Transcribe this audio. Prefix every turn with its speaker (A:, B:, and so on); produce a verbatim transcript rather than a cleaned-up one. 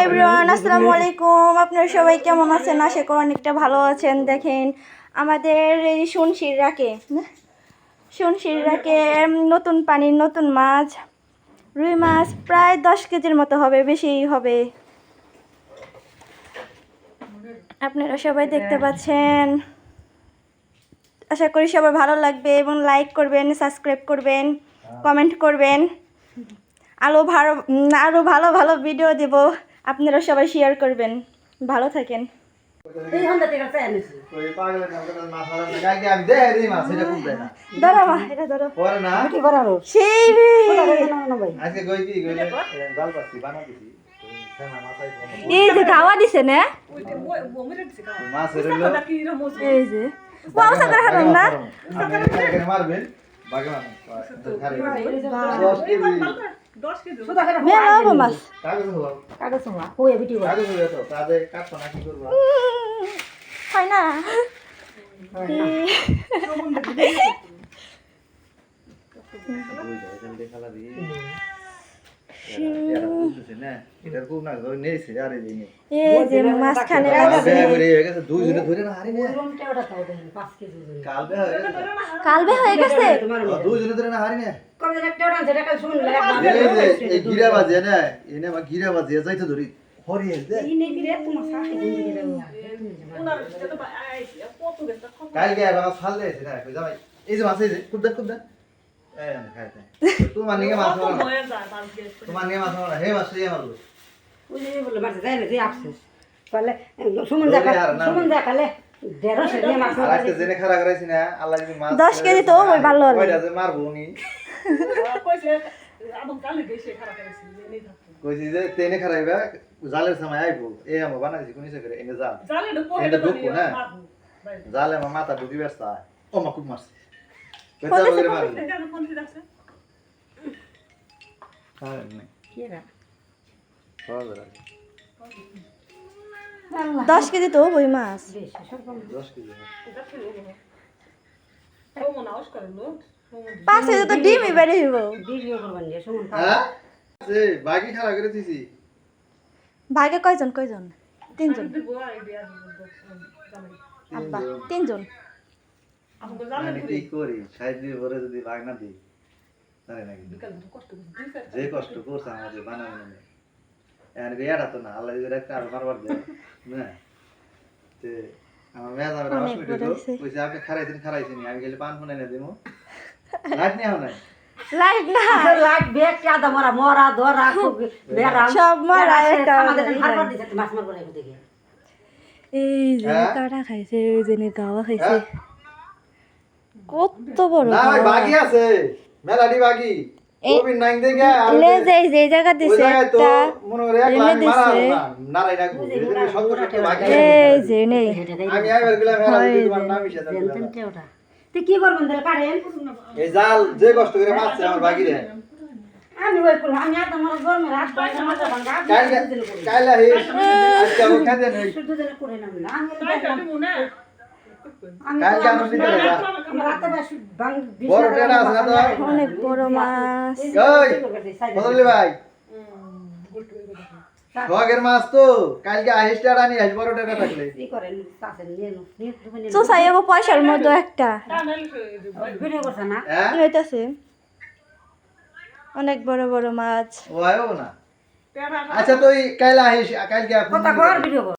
A: Everyone, আসসালামু আলাইকুম। আপনারা সবাই কেমন আছেন? আশা করি অনেকটা ভালো আছেন। দেখেন আমাদের এই শুনশিরাকে শুনশিরাকে নতুন পানির নতুন মাছ, রুই মাছ প্রায় দশ কেজির মতো হবে, বেশি হবে। আপনারা সবাই দেখতে পাচ্ছেন। আশা করি সবার ভালো লাগবে এবং লাইক করবেন, সাবস্ক্রাইব করবেন, কমেন্ট করবেন। আরও ভালো আরও ভালো ভালো ভিডিও দেব, আপনারা সবাই শেয়ার করবেন। ভালো থাকেন। ধরো মা, এটা ধরো। সেই এই যে খাওয়া দিছে না, এই যে বাউসা করে হারাম না মারবেন মেলা হবো মাছ হয় না। মাঝখানে কালবে হয়ে গেছে
B: গিরা বাজে না এনে গিরা বাজে যাইতে ধরি কালকে ফাল দিয়েছে না এই যে মাছ এই যে খুব দেখ খুব দেখ তোমার নিয়ে মাছ তোমার নিয়ে মাছ হে মাছ ইয়ে মারলো
A: দশ কেজি তো ভালো
B: মারবো নি কইছি যে তেনে খারাইবা জালের সময় আইবো এ আমো বানাইছি কোনি সে করে এনে জাল এটা ঢুকবো না জালে আমার মাথা ঢুকি ব্যস্ত ও মা খুব মারছে বেটা বগরে মারছে হ্যাঁ না কি রা
A: দশ কেজি তো ওই মাছ
B: দশ কেজি
A: পাঁচ কেজি তো ডিমই বেড়ে হইব।
B: হ্যাঁ এই বাকি খারাপ করে দিছি
A: ভাগে কয়জন কয়জন তিনজন আব্বা তিনজন
B: আমি কি করি সাইড দিয়ে ভরে যদি ভাগ না দিই তাহলে নাকি যে কষ্ট করছে আমাদের বানানো নেই এর বিয়াটা তো না আল্লাহ যদি একটা আর বারবার দেয় না তে আমার মেয়ে যাবে হসপিটালে কইছে আপনি খারাইছেন খারাইছেন আমি গেলে পান ফোন এনে দেবো লাইট নেই হয়
A: লাইট না
C: লাইট বেক কাদা মরা মরা ধরা বেরা
A: সব মরা একটা
C: আমাদের হারবার দিতে মাছ মারবো না দেখে
A: এই যে কাটা খাইছে এই যে নে গাওয়া খাইছে কত বড়
B: না ভাই বাকি আছে মেলাডি বাকি কোবিন নাইন দেখে আর
A: লে যে যে জায়গা দিছে একটা
B: মনে করে এক লাখ মারা না নারাই না এদিকে সত্তর টাকা বাকি
A: এই যে নেই
B: আমি আইবার গেলাম মেলা দিতে তোমার নাম হিসেবে
C: জানতেন ওটা তুই কি করবেন তাহলে কাটেন
B: এই জাল যে কষ্ট করে মারছে আমার বাকি রে
C: আমি ওই করব আমি আর তোমার গরমে রাত বাইরে মাছ ভাঙা
B: কাইলা কাইলা হে আজকে আমি খাতে নেই
C: শুধু দিন করে না আমি কাটবো না
B: কাল কেন নিতে রে
C: আমরা রাতে বেশ ভাঙ
B: বড় টেড়া আছে না তো
A: অনেক বড় মাছ
B: ওই বদলি ভাই শখের মাছ তো কালকে আহিস টেড়া নিয়ে আস বড় টেড়া থাকলে
C: কি করেন তাতে নিয়ে নো নিয়ে
A: তো সাইগো পয়সার মতো একটা
C: ভিডিও করছ না
B: হ্যাঁ
A: হইতাছে অনেক বড় বড় মাছ
B: ও আয়ো না আচ্ছা তুই কাল আহিস কালকে
C: কথা কর ভিডিও